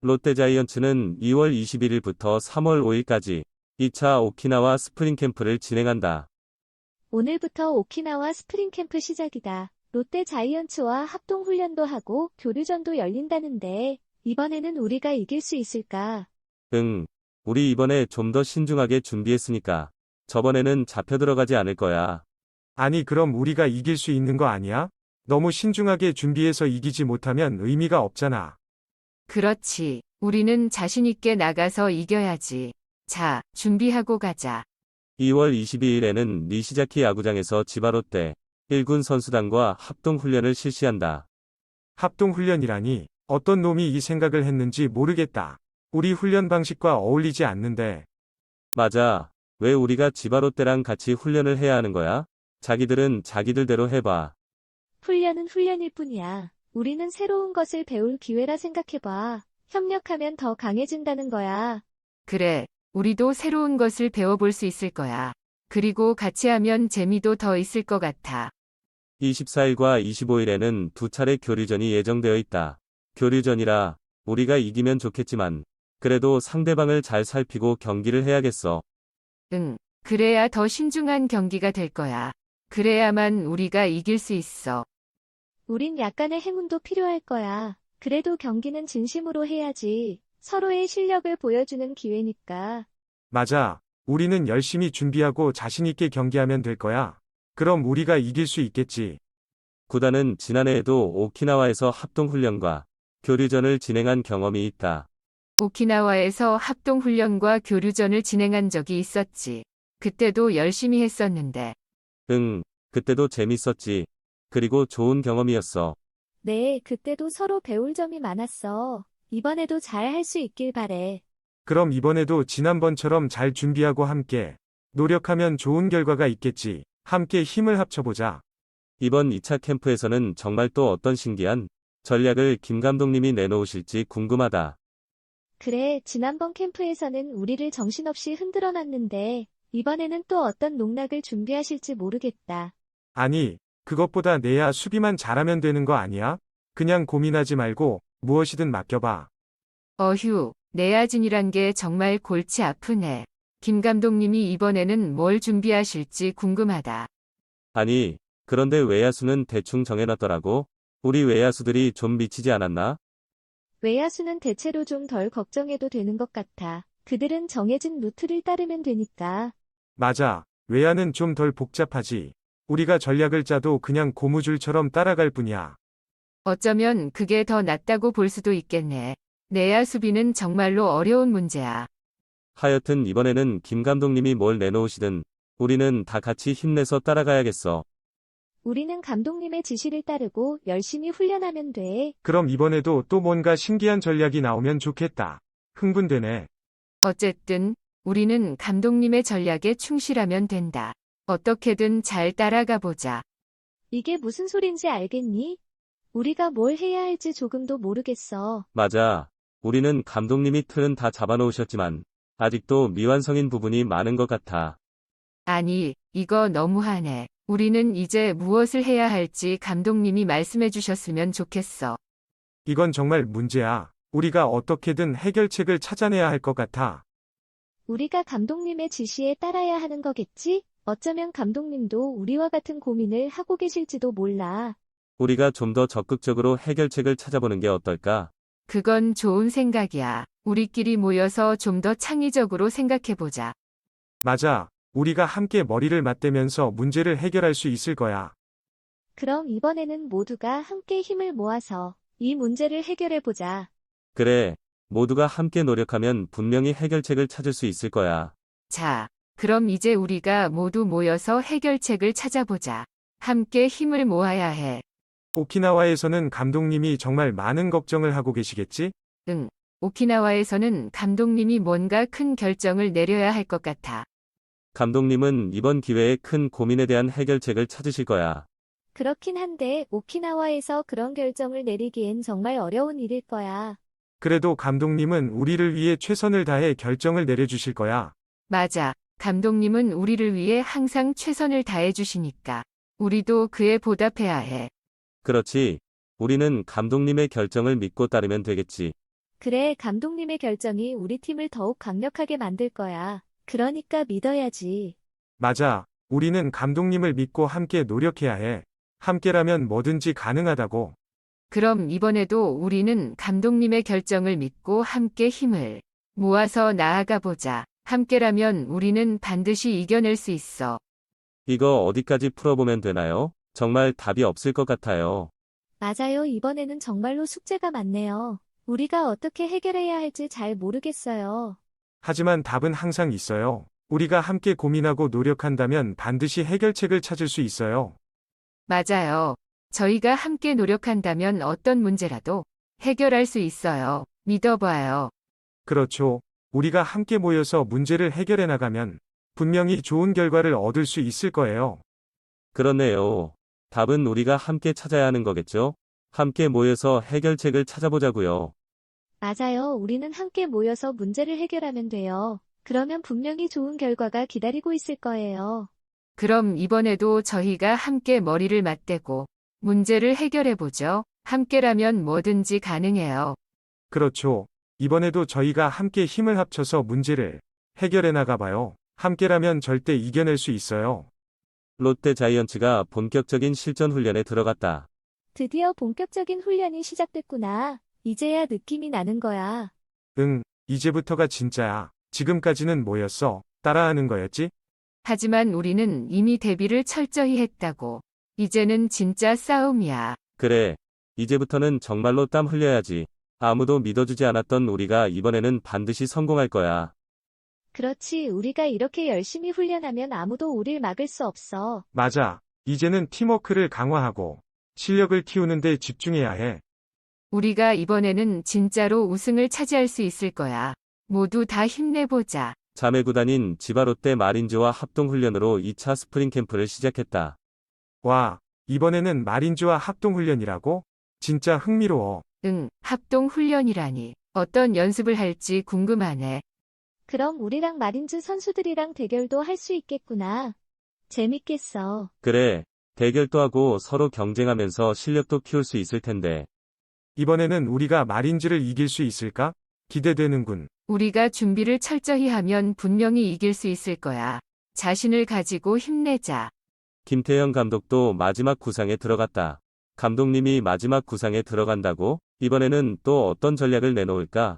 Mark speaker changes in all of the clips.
Speaker 1: 롯데자이언츠는 2월 21일부터 3월 5일까지 2차 오키나와 스프링 캠프를 진행한다.
Speaker 2: 오늘부터 오키나와 스프링 캠프 시작이다. 롯데 자이언츠와 합동 훈련도 하고 교류전도 열린다는데 이번에는 우리가 이길 수 있을까?
Speaker 1: 응, 우리 이번에 좀 더 신중하게 준비했으니까 저번에는 잡혀 들어가지 않을 거야.
Speaker 3: 아니, 그럼 우리가 이길 수 있는 거 아니야? 너무 신중하게 준비해서 이기지 못하면 의미가 없잖아.
Speaker 4: 그렇지. 우리는 자신 있게 나가서 이겨야지. 자, 준비하고 가자.
Speaker 1: 2월 22일에는 니시자키 야구장에서 지바롯데 1군 선수단과 합동훈련을 실시한다.
Speaker 3: 합동훈련이라니, 어떤 놈이 이 생각을 했는지 모르겠다. 우리 훈련 방식과 어울리지 않는데.
Speaker 1: 맞아. 왜 우리가 지바롯데랑 같이 훈련을 해야 하는 거야? 자기들은 자기들대로 해봐.
Speaker 2: 훈련은 훈련일 뿐이야. 우리는 새로운 것을 배울 기회라 생각해봐. 협력하면 더 강해진다는 거야.
Speaker 4: 그래, 우리도 새로운 것을 배워볼 수 있을 거야. 그리고 같이 하면 재미도 더 있을 것 같아.
Speaker 1: 24일과 25일에는 두 차례 교류전이 예정되어 있다. 교류전이라 우리가 이기면 좋겠지만 그래도 상대방을 잘 살피고 경기를 해야겠어.
Speaker 4: 응, 그래야 더 신중한 경기가 될 거야. 그래야만 우리가 이길 수 있어.
Speaker 2: 우린 약간의 행운도 필요할 거야. 그래도 경기는 진심으로 해야지. 서로의 실력을 보여주는 기회니까.
Speaker 3: 맞아. 우리는 열심히 준비하고 자신있게 경기하면 될 거야. 그럼 우리가 이길 수 있겠지.
Speaker 1: 구단은 지난해에도 오키나와에서 합동훈련과 교류전을 진행한 경험이 있다.
Speaker 4: 오키나와에서 합동훈련과 교류전을 진행한 적이 있었지. 그때도 열심히 했었는데.
Speaker 1: 응, 그때도 재밌었지. 그리고 좋은 경험이었어.
Speaker 2: 네, 그때도 서로 배울 점이 많았어. 이번에도 잘 할 수 있길 바래.
Speaker 3: 그럼 이번에도 지난번처럼 잘 준비하고 함께 노력하면 좋은 결과가 있겠지. 함께 힘을 합쳐보자.
Speaker 1: 이번 2차 캠프에서는 정말 또 어떤 신기한 전략을 김 감독님이 내놓으실지 궁금하다.
Speaker 2: 그래, 지난번 캠프에서는 우리를 정신없이 흔들어 놨는데 이번에는 또 어떤 농락을 준비하실지 모르겠다.
Speaker 3: 아니, 그것보다 내야 수비만 잘하면 되는 거 아니야? 그냥 고민하지 말고 무엇이든 맡겨봐.
Speaker 4: 어휴, 내야진이란 게 정말 골치 아프네. 김 감독님이 이번에는 뭘 준비하실지 궁금하다.
Speaker 1: 아니, 그런데 외야수는 대충 정해놨더라고. 우리 외야수들이 좀 미치지 않았나?
Speaker 2: 외야수는 대체로 좀 덜 걱정해도 되는 것 같아. 그들은 정해진 루트를 따르면 되니까.
Speaker 3: 맞아. 외야는 좀 덜 복잡하지. 우리가 전략을 짜도 그냥 고무줄처럼 따라갈 뿐이야.
Speaker 4: 어쩌면 그게 더 낫다고 볼 수도 있겠네. 내야 수비는 정말로 어려운 문제야.
Speaker 1: 하여튼 이번에는 김 감독님이 뭘 내놓으시든 우리는 다 같이 힘내서 따라가야겠어.
Speaker 2: 우리는 감독님의 지시를 따르고 열심히 훈련하면 돼.
Speaker 3: 그럼 이번에도 또 뭔가 신기한 전략이 나오면 좋겠다. 흥분되네.
Speaker 4: 어쨌든 우리는 감독님의 전략에 충실하면 된다. 어떻게든 잘 따라가 보자.
Speaker 2: 이게 무슨 소린지 알겠니? 우리가 뭘 해야 할지 조금도 모르겠어.
Speaker 1: 맞아. 우리는 감독님이 틀은 다 잡아놓으셨지만 아직도 미완성인 부분이 많은 것 같아.
Speaker 4: 아니, 이거 너무하네. 우리는 이제 무엇을 해야 할지 감독님이 말씀해 주셨으면 좋겠어.
Speaker 3: 이건 정말 문제야. 우리가 어떻게든 해결책을 찾아내야 할 것 같아.
Speaker 2: 우리가 감독님의 지시에 따라야 하는 거겠지? 어쩌면 감독님도 우리와 같은 고민을 하고 계실지도 몰라.
Speaker 1: 우리가 좀 더 적극적으로 해결책을 찾아보는 게 어떨까?
Speaker 4: 그건 좋은 생각이야. 우리끼리 모여서 좀 더 창의적으로 생각해 보자.
Speaker 3: 맞아. 우리가 함께 머리를 맞대면서 문제를 해결할 수 있을 거야.
Speaker 2: 그럼 이번에는 모두가 함께 힘을 모아서 이 문제를 해결해 보자.
Speaker 1: 그래, 모두가 함께 노력하면 분명히 해결책을 찾을 수 있을 거야.
Speaker 4: 자, 그럼 이제 우리가 모두 모여서 해결책을 찾아보자. 함께 힘을 모아야 해.
Speaker 3: 오키나와에서는 감독님이 정말 많은 걱정을 하고 계시겠지?
Speaker 4: 응. 오키나와에서는 감독님이 뭔가 큰 결정을 내려야 할 것 같아.
Speaker 1: 감독님은 이번 기회에 큰 고민에 대한 해결책을 찾으실 거야.
Speaker 2: 그렇긴 한데 오키나와에서 그런 결정을 내리기엔 정말 어려운 일일 거야.
Speaker 3: 그래도 감독님은 우리를 위해 최선을 다해 결정을 내려주실 거야.
Speaker 4: 맞아. 감독님은 우리를 위해 항상 최선을 다해 주시니까. 우리도 그에 보답해야 해.
Speaker 1: 그렇지. 우리는 감독님의 결정을 믿고 따르면 되겠지.
Speaker 2: 그래, 감독님의 결정이 우리 팀을 더욱 강력하게 만들 거야. 그러니까 믿어야지.
Speaker 3: 맞아. 우리는 감독님을 믿고 함께 노력해야 해. 함께라면 뭐든지 가능하다고.
Speaker 4: 그럼 이번에도 우리는 감독님의 결정을 믿고 함께 힘을 모아서 나아가 보자. 함께라면 우리는 반드시 이겨낼 수 있어.
Speaker 1: 이거 어디까지 풀어보면 되나요? 정말 답이 없을 것 같아요.
Speaker 2: 맞아요. 이번에는 정말로 숙제가 많네요. 우리가 어떻게 해결해야 할지 잘 모르겠어요.
Speaker 3: 하지만 답은 항상 있어요. 우리가 함께 고민하고 노력한다면 반드시 해결책을 찾을 수 있어요.
Speaker 4: 맞아요. 저희가 함께 노력한다면 어떤 문제라도 해결할 수 있어요. 믿어봐요.
Speaker 3: 그렇죠. 우리가 함께 모여서 문제를 해결해 나가면 분명히 좋은 결과를 얻을 수 있을 거예요.
Speaker 1: 그렇네요. 답은 우리가 함께 찾아야 하는 거겠죠? 함께 모여서 해결책을 찾아보자고요.
Speaker 2: 맞아요. 우리는 함께 모여서 문제를 해결하면 돼요. 그러면 분명히 좋은 결과가 기다리고 있을 거예요.
Speaker 4: 그럼 이번에도 저희가 함께 머리를 맞대고 문제를 해결해보죠. 함께라면 뭐든지 가능해요.
Speaker 3: 그렇죠. 이번에도 저희가 함께 힘을 합쳐서 문제를 해결해 나가봐요. 함께라면 절대 이겨낼 수 있어요.
Speaker 1: 롯데 자이언츠가 본격적인 실전 훈련에 들어갔다.
Speaker 2: 드디어 본격적인 훈련이 시작됐구나. 이제야 느낌이 나는 거야.
Speaker 3: 응, 이제부터가 진짜야. 지금까지는 뭐였어? 따라하는 거였지?
Speaker 4: 하지만 우리는 이미 대비를 철저히 했다고. 이제는 진짜 싸움이야.
Speaker 1: 그래. 이제부터는 정말로 땀 흘려야지. 아무도 믿어주지 않았던 우리가 이번에는 반드시 성공할 거야.
Speaker 2: 그렇지. 우리가 이렇게 열심히 훈련하면 아무도 우릴 막을 수 없어.
Speaker 3: 맞아. 이제는 팀워크를 강화하고 실력을 키우는 데 집중해야 해.
Speaker 4: 우리가 이번에는 진짜로 우승을 차지할 수 있을 거야. 모두 다 힘내보자.
Speaker 1: 자매구단인 지바롯데 마린즈와 합동훈련으로 2차 스프링 캠프를 시작했다.
Speaker 3: 와, 이번에는 마린즈와 합동훈련이라고? 진짜 흥미로워.
Speaker 4: 응, 합동훈련이라니. 어떤 연습을 할지 궁금하네.
Speaker 2: 그럼 우리랑 마린즈 선수들이랑 대결도 할 수 있겠구나. 재밌겠어.
Speaker 1: 그래. 대결도 하고 서로 경쟁하면서 실력도 키울 수 있을 텐데.
Speaker 3: 이번에는 우리가 마린즈를 이길 수 있을까? 기대되는군.
Speaker 4: 우리가 준비를 철저히 하면 분명히 이길 수 있을 거야. 자신을 가지고 힘내자.
Speaker 1: 김태형 감독도 마지막 구상에 들어갔다. 감독님이 마지막 구상에 들어간다고? 이번에는 또 어떤 전략을 내놓을까?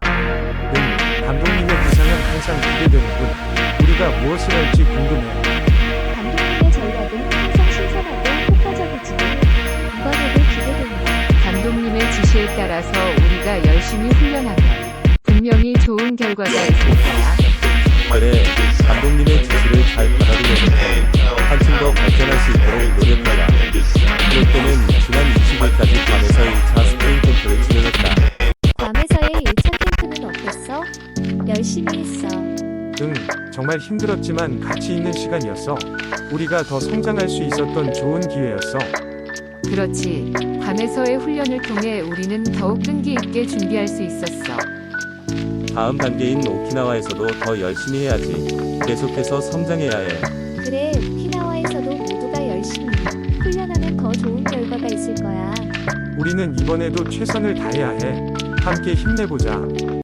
Speaker 3: 감독님의 구상은 항상 기대되는군. 우리가 무엇을 할지 궁금해.
Speaker 2: 감독님의 전략은 항상 신선하고 효과적이지. 이번에도 기대된다.
Speaker 4: 감독님의 지시에 따라서 우리가 열심히 훈련하면 분명히 좋은 결과가 있을 거야.
Speaker 1: 그래. 감독님의 지시를 잘 받아들여서 한층 더 발전할 수 있도록 노력하라. 롯데는 지난 20일까지 밤에서 1차 스프링 캠프를 진행했다.
Speaker 2: 밤에서의 1차 캠프는 어땠어? 열심히 했어.
Speaker 3: 응, 정말 힘들었지만 가치 있는 시간이었어. 우리가 더 성장할 수 있었던 좋은 기회였어.
Speaker 4: 그렇지. 밤에서의 훈련을 통해 우리는 더욱 끈기 있게 준비할 수 있었어.
Speaker 1: 다음 단계인 오키나와에서도 더 열심히 해야지. 계속해서 성장해야 해.
Speaker 2: 그래, 오키나와에서도 모두가 열심히 훈련하면 더 좋은 결과가 있을 거야.
Speaker 3: 우리는 이번에도 최선을 다해야 해. 함께 힘내보자.